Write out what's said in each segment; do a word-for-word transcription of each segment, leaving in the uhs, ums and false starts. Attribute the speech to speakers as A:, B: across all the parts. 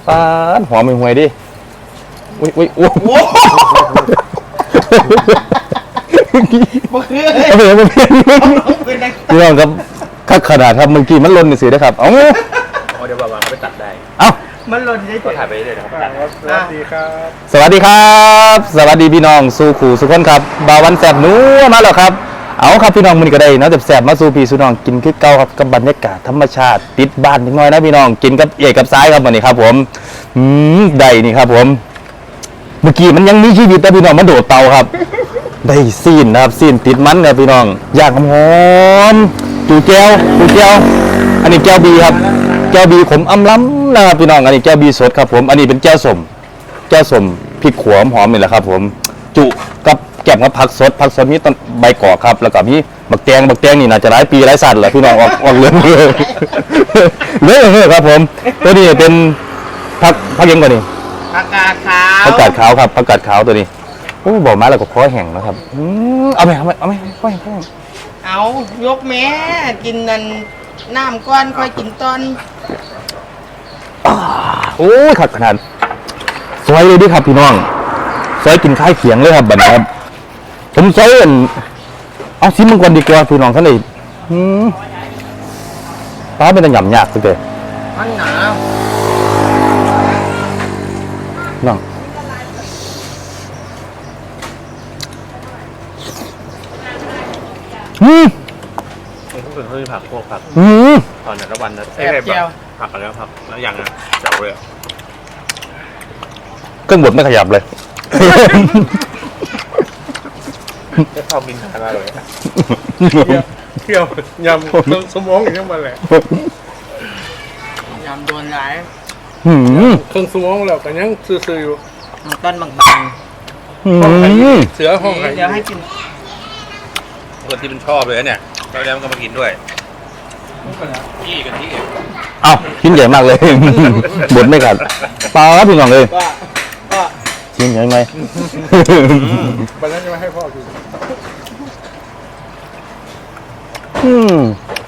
A: ปาดหอมไม่ห่วยดิอุ้ยอุ้ยโอ้โห
B: บ่คือ
A: เอาไปเอาไปพี่น้องครับคักขนาดครับเมื่อกี้มันล้นสิได้ครับเอา
C: เดี๋ยวบ่าวๆเขาไปตัดได้
A: เอา
B: มันหล่นได้
C: ก็ถ่ายไปเลยนะครับ
B: สวัสดีครับ
A: สวัสดีครับสวัสดีพี่น้องสู่ขู่สุขคนครับบ่าววันแสบหนูมาแล้วครับเอาครับพี่น้องมันก็ได้เนาะแสบมาสู่พี่สู่น้องกินคือเก่าครับกับบรรยากาศธรรมชาติติดบ้านนิดหน่อยนะพี่น้องกินกับเอกกับซ้ายครับวันนี้ครับผมอืมได้นี่ครับผมเมื่อกี้มันยังมีชีวิตแต่พี่น้องมันโดดเตาครับได้ซีนนะครับซีนติดมันครับพี่น้องย่างหอมจูแก้วจูแก้วอันนี้แก้วบีครับแก้วบีขมอำล้ำนะครับพี่น้องอันนี้แก้วบีสดครับผมอันนี้เป็นแก้วสมแก้วสมพริกขวหอมนี่แหละครับผมจุกับแกงกับผักสดผักสดมีต้นใบกอกครับแล้วก็มีบักแตงบักแตงนี่น่าจะหลายปีหลายสัตว์แหละพี่น้องออกออกเรื่องเลยเลยเลยครับผมตัวนี้เป็นผักผักยังกว่านี้
B: ผักกาดขาว
A: ผักกาดขาวครับผักกาดขาวตัวนี้โอ้บอกมาแล้วก็คอแห้งนะครับอืมเอาไหมเอาไหมเอาไหมคอแห้งคอแห้ง
B: เอายกแม่กินนั่นน้ำก้อนค่อยกินตอน
A: โอ้ยขัดขนาดซอยเลยดิครับพี่น้องซอยกินข้าวเขียงเลยครับบัดนี้ครับผมซอยเอาซิมมังกรดีกว่าพี่น้องท่านเลยป้าเป็นตะหย่ำยากสุดเลย
B: มันหนาว
A: น้องอืม
C: มันก็เป็นเพื่อผักพวกผัก
A: อืม
C: ตอนนั้นวันนั้น
B: แซ่บเจียว
C: ผักแล้วผักแล้วอย่างอ่ะเจ๋วเลย
A: เครื่องบดไม่ขยับเลย
C: จะชอบกินทานอะไรเลยเที่ยวยำสมองอย่างนี้มาแหละ
B: ยำโดนหลาย
C: เครื่องสมองแล้วก็ยังซื่อๆอยู่
B: ต้นบาง
C: ๆเสือห้องไหน
B: เดี๋ยวให้กิน
C: คนที่มันชอบเลยเนี่ยแล้วแล้วมันก็มากินด้วยขี้กันที่
A: เอ้าชิ้นใหญ่มากเลยบดไม่ขาดปลาพี่น้องเลยชิ้นใหญ่ไหม
C: วันนั้นจะมาให้พ่อกิน
A: อืม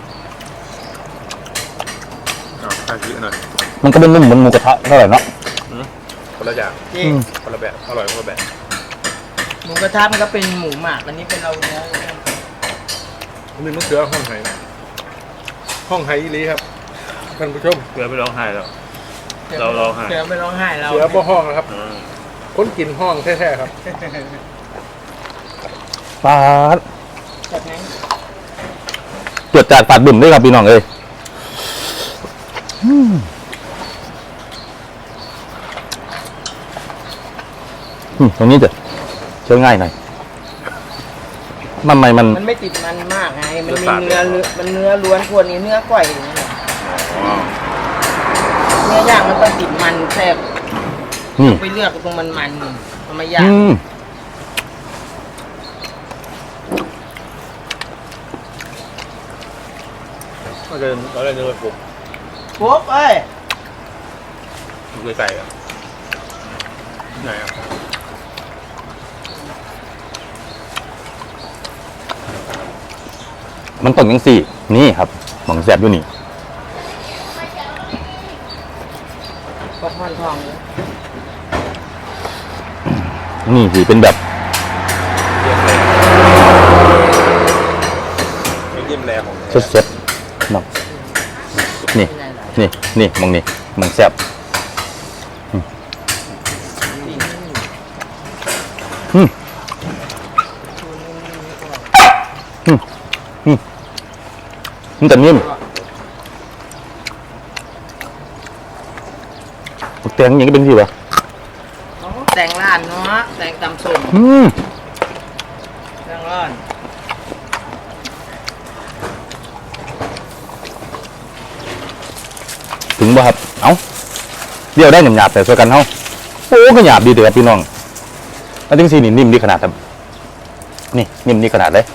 C: อ๋อข้าวเยอะหน่อย
A: มันก็เป็นนุ่มเหมือนหมูกระทะเท่าไหร่เนาะ
C: คนละอย่างคนละแบบอร่อยคนละแบบ
B: หมูกระทะมันก็เป็นหมูหมักอันนี้เป็นเราเนื้อ
C: นี่มันเสือห้องไห้ห้องไห้อีลีครับท่านผู้ชมเสือไม่ร้องไห้แล้วเราร้องไห้
B: เสือไม่ร้องไห้เรา
C: เสือบ่ห้องนะครับคนกินห้องแท้ๆครับ
A: ปาดจดจัดฝาดบุ่มด้วยครับพี่น้องเลยตรงนี้จะเชื่อง่ายหน่อยมันไม่มัน
B: มันไม่ติดมันมากไงมันมีเนื้อมันเนื้อล้วนพวกนี้เนื้อก่อยเนื้อย่างมันต้องติดมันแซ่บไปเลือกตรงมันมันทำไมย่าง
C: ก็เดินเราเล่นเดินปุ๊บ
B: ปุ๊บเอ้ย
C: ดูไกลๆอ่ะไหนอ่ะ
A: มันต้องยังสี่นี่ครับหม่องแสบอยู่นี่
B: ก็พอนทอง
A: นี่สิเป็นแบบ
C: ยิ้มแรงของ
A: สดๆน้องนี่นี่นี่มองนี่มองแสบอืมอืมอืมมันแต่นิ่มแตงอย่างนี้เป็นสิวะ
B: แตงล้านเนาะแตงตำส้ม
A: อืม
B: แตงล้าน
A: ถึงบ่ครับเอ้าเดี๋ยวได้หยาบๆแต่ส่วนกันเฮาโอ้ก็หยาบดีเด้อพี่น้องแล้วจริงๆนี่นิ่มดีขนาดครับนี่นิ่มดีขนาดเลย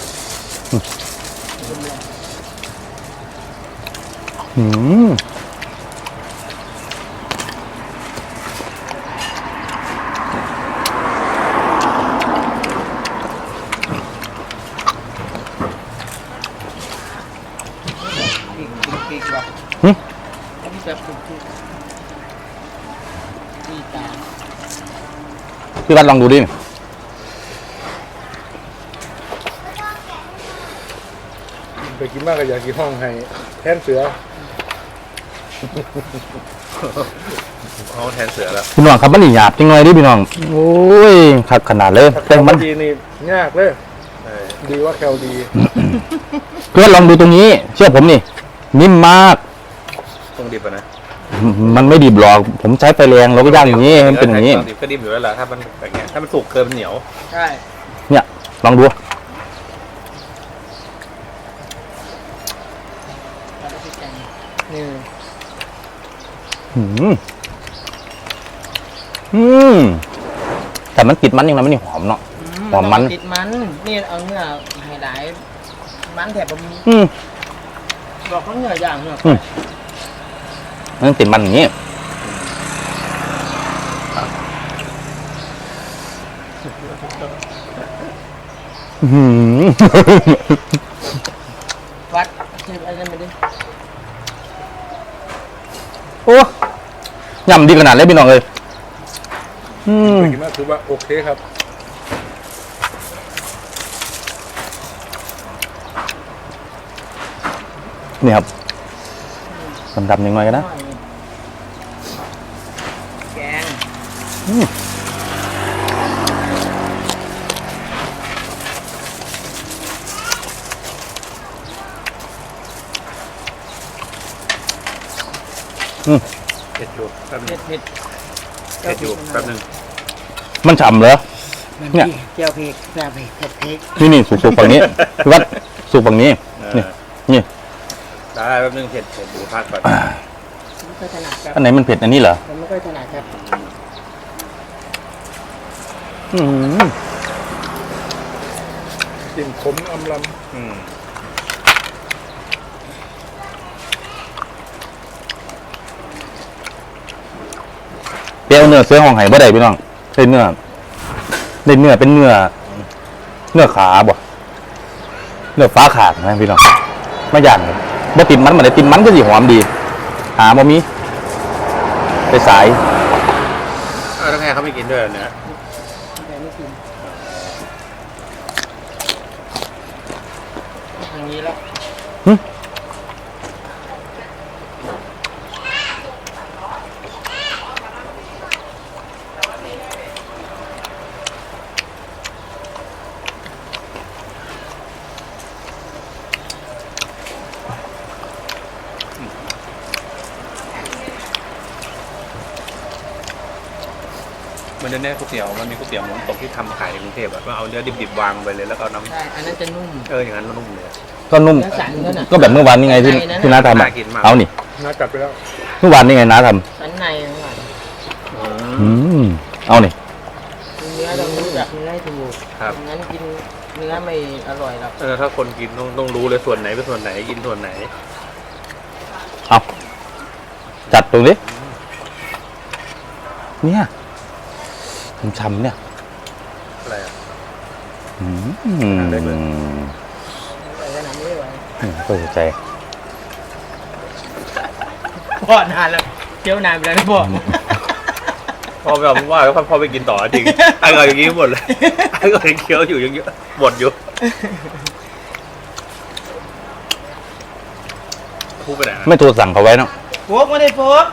A: อืม
B: ดีตา
A: พี่วัดลองดูดิ
C: ไปกินมากก็อยากกินห้องไห้แทนเสือ
D: เขาแทนเสือแล้ว
A: พี่น้องครับมันนี่หยาบจริงเลยดิพี่น้องโอ้ยขัดขนาดเลยแต่
C: แต่
A: มั
C: มัน นดีนี่ยากเลย
D: เออ
C: ดีว่าแคลดี
A: เพื่อนลองดูตรงนี้ เชื่อผมนี่นิ่มมาก
D: ต้องดิบอะนะ
A: มันไม่ดิบหรอกผมใช้ไฟแรงเราก็ย่างอย่างนี้ให้มันเป็นอย่างนี้
D: นี้ดิบก็ดิบอยู่แล้วล่ะถ้ามันแบบเนี้ยถ้ามันสุกเกินมันเหนียว
B: ใช่
A: เนี่ยลองดู
B: แล้วก็พริกแกงนี่
A: อืมอืมแต่มันติดมันยังไงมันนี่หอมเนาะ หอมมัน
B: ติดมันนี่เอาเนื้อไฮไลท์มันแถบบะหมี่
A: อืม
B: บอกเขาเนื้อย่างเนื้อ
A: อืม มันติดมันอย่างนี้อื้อหือ
B: วัดเทียบอะไรไม่ได้
A: โอ้ยำดีขนาดเลยพี่น้องเลยอืม
C: ไปกินมากคือว่าโอเคครับ
A: นี่ครับดำๆยังไงกันนะ
B: แกง
A: อืมอืม
D: เผ็ดอยู่แป๊บนึ
B: เผ็
D: ง
B: ดเผ็ด
D: เผ็ดอยู่แป๊บนึง
A: มันฉ่ำเหรอ เนี่ย
B: เจียวเผ็ดแซ่บเผ็ดเผ็ดเผ็ด
A: นี่นี่สูบๆฝั่งนี้พี่วัดสูบฝั่งนี้
D: เอ
A: นี่
D: อ
A: นี่
D: ได้แป๊บนึงเผ็ดเผ็ดดูพักก่อน
B: ไม่ค่อยถนัดครับ
A: อันไหนมันเผ็ดอันนี้เหรอ
B: ผมไม่ค่อยถนัดครับ
A: อืม
C: กลิ่นขมอำล
D: อืม
A: เปรี้ยวเนื้อเสือห้องไห่บ่ได้พี่น้องได้เนื้อได้เนื้อเป็นเนื้อ เนื้อขาบ่เนื้อฟ้าขาดนะพี่น้องไม่ย่างเลยบ่ติดมันมาได้ติดมันก็สิหอมดี หาบ่มีไปสาย
D: เออต้องให้เขาไม่กินด้วยเหรอเนี่ย
B: แต่ไม่กินอย่างนี้แล้ว
D: มันเนี้ยก๋วยเตี๋ยวมันมีก๋วยเตี๋ยวหมูตกที่ทำขายในกรุงเทพอะก็เอาเนื้อดิบๆวางไปเลยแล้วก็เอาน้
B: ใช่อันนั้นจะนุ่ม
D: ำเอออย่างนั้นมันนุ่มเลย
A: ก็นุ่ม
B: เนื้อสันนั่นน่ะ
A: ก็แบบเมื่อวานนี่ไงที่
B: ในนั้นน่ะ
A: ที่น้าทำอะ
D: น่ากินมาก
A: เอานี่
C: ำน่ากัดไปแล้ว
A: เมื่อวานนี่ไงน้าท
B: สันในทั้งหลาย
A: ำอืมเอานี่
B: เนื้อต้องรู้จักเนื้อให้ถูก
D: ครับ
B: งั้นกินเนื้อไม่อร่อยหรอก
D: เออถ้าคนกินต้องต้องรู้เลยส่วนไหนเป็นส่วนไหนกินส่วนไหน
A: เอาจัดตรงนี้เนี่ยช้ำๆเนี่ย
D: อะไรอะ
A: อืม
D: ได้เลย
B: แต่ขนาดนี้ไม่ไหว
A: เปิดใจ
B: พ่อนานแล้วเที่ยวนานไปแล้วนะพ่อ
D: พอแบบว่าแล้วพอไปกินต่อจริงไอ้ก็อย่างนี้หมดเลยไอ้ก็ยังเคี้ยวอยู่ยังเยอะหมดอยู่พูดไปไหนนะ
A: ไม่โทรสั่งเขาไว้เนาะ
B: โฟกไม่ได้โฟก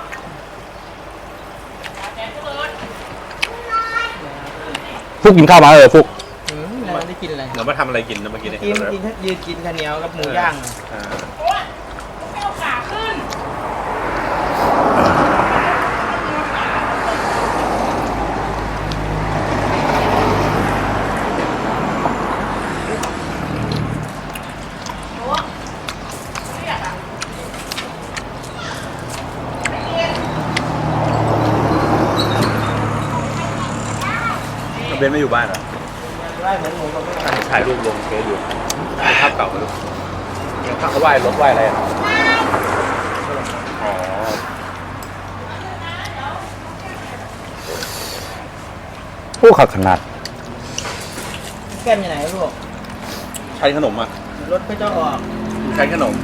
A: ฟุกกินข้าวมาเลยฟุก
B: อืมไม่ได้กินอะไร
D: เรามาทำอะไรกินนะเมื่อกี้เนี่ย
B: กินกินยืนกินข้าวเหนียวกับหมูย่างอะ
D: อ่า เบนไม่อยู่บ้านเหรอ
B: ไล่เหมือนหมูกับไม่
D: เห็นถ่ายรูปลงเฟซอยู่เป็นภาพเก่าเลยยังภาพเขาไหว้รถไหว้อะไรอ่ะอ๋อ
A: โอ้ขัดขนาด
B: แก้มอยู่ไหนลูก
D: ใช้ขนมอ่ะ
B: รถก็จะออก
D: ใช้ขนม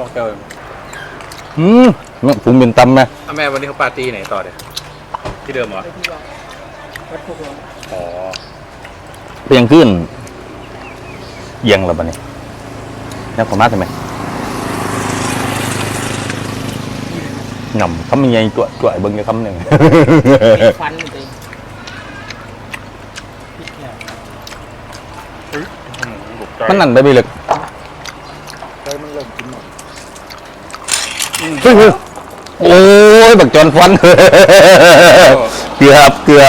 D: แก้ว
A: อืมผมเป็นตำไหม
D: อ่ะแม่วันนี้เขาปาร์ตี้ไหนต่อเดี๋ยวที่เดิมเหรอ
B: ไปที่วัดวัดพวกเรา
D: อ๋อ
A: เพียงขึ้นเอียงแล้วบัดนี้แล้วผมมาทำไมงำคำยังไงตัวตัวไอ้เบิ้งจะคำหนึ่ง
B: ปิดฟันเลยปิดแขน
A: มันนั่นไปไปเลย
C: ใจมันเริ่มกินหมด
A: เฮ้ยโอ้ยบักจอนฟัน เกือบเกือบ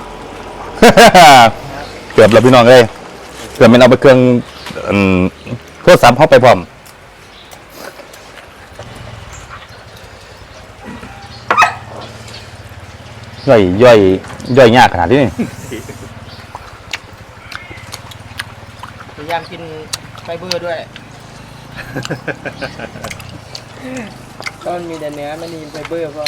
A: เกือบแล้วพี่น้องเอ้ยเกือบเป็นเอาไปเครื่องอืมโทรศัพท์เข้าไปพร้อมย่อยย่อยย่อยยากขนาดนี้นี่
B: พยายามกินไฟเบอร์ด้วยก็มันมีแต่เนื้อไม่มีไฟเบอร์ก็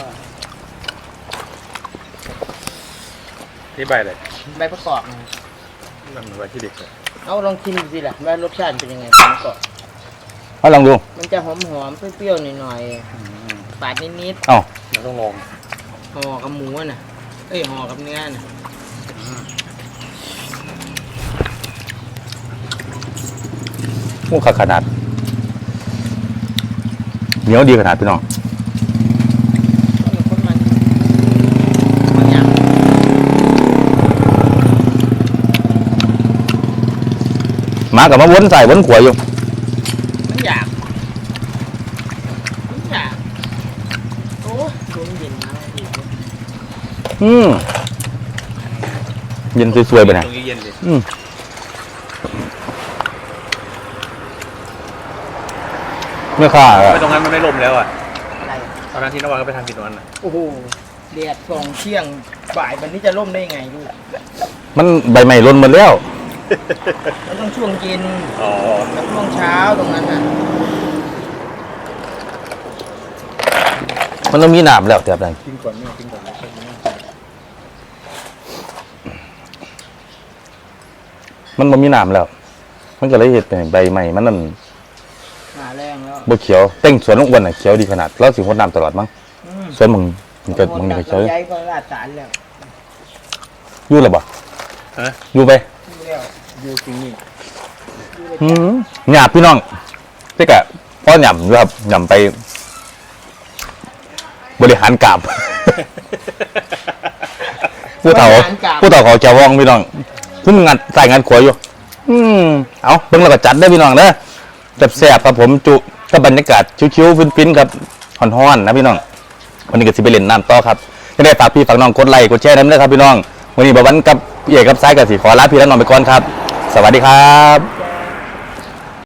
D: ที่ใบอะไร
B: ใบประกอบนะ
D: มันเหมือนใบที่เด็กเลย
B: เอาลองชิมดูสิล่ะว่ารสชาติเป็นยังไงใบประกอบ
A: เอาลองดู
B: มันจะหอมหอมๆเปรี้ยวๆหน่อยๆปาดนิด
A: เอ้า
D: มันต้องลอง
B: ๆห่อกับหมูน่ะเอ้ยห่อกับเนื้อน่ะ
A: หมูขาขนาดเหนียวดีขนาดพี่น้อง
B: ก็มีคนมันบางอย่าง
A: หมากับมาวนใส่วนขวาอยู่
B: มันอยากมันอยากโอ้ยตัวมันเย็นมากเลย
A: อืมเย็นสวยๆไปไหน
D: ตรงนี้เย็นดิ
A: อืมไม่ค่า
D: ไม่ตรงนั้นมันไม่ลมแล้วอ่ะ
B: อะไร
D: ตอนนั้นที่นวัดก็ไปทำกินตรงนั้นน่ะ
B: โอ้โหแดดส่องเที่ยงบ่ายวันนี้จะร่มได้ยังไงลูก
A: มันใบใหม่ล้นหมดแล้ว
B: มันต้องช่วงเย็น
D: อ๋อ
B: กับช่วงเช้าตรงนั้นน่ะ
A: มันต้องมีหนามแล้วแต่แบบนั้น
C: กินก่อนเนี่ยกินก่อนนะ
A: มันบ่มีหนามแล้ว มันก็เลยเห็ดเป็นใบใหม่มันนั่น
B: หาแรงแล้ว
A: บ่เขียวเต้งสวนลูกอ้วนน่ะเขียวดีขนาดแล้วสิงดน้ำตลอดมั้ง
B: อืม
A: สวนมึงมันก็มึงนี่ก็เขียว
B: ย้ายก็ลาดสารแล้ว
A: อยู่แล้วบ่
D: ฮะ
A: อยู่ไป
B: อยู่แล้ว
C: ยูกินนี่
B: อยู่เลย
A: อืมหยาบพี่น้องแต่กะพ่อหย่ำด้วยครับหย่ำไป บริหารกราบ ผู้เฒ่าผู้เฒ่าเขาแกว่องพี่น้องซึ่งงานใส่งานขวอยู่ อืมเอาเบิ่งแล้วก็จัดได้พี่น้องเด้อจับแซ่บครับผมจุกับบรรยากาศชิวๆฟินๆครับฮ้อนๆนะพี่น้องวันนี้ก็สิไปเล่นน้ำต่อครับยังได้ฝากพี่ฝากน้องกดไลค์กดแชร์น้ำเด้อครับพี่น้องวันนี้บ่วันกับพี่เอกกับซ้ายกับสีขอลาพี่และน้องไปก่อนครับ สวัสดีครับ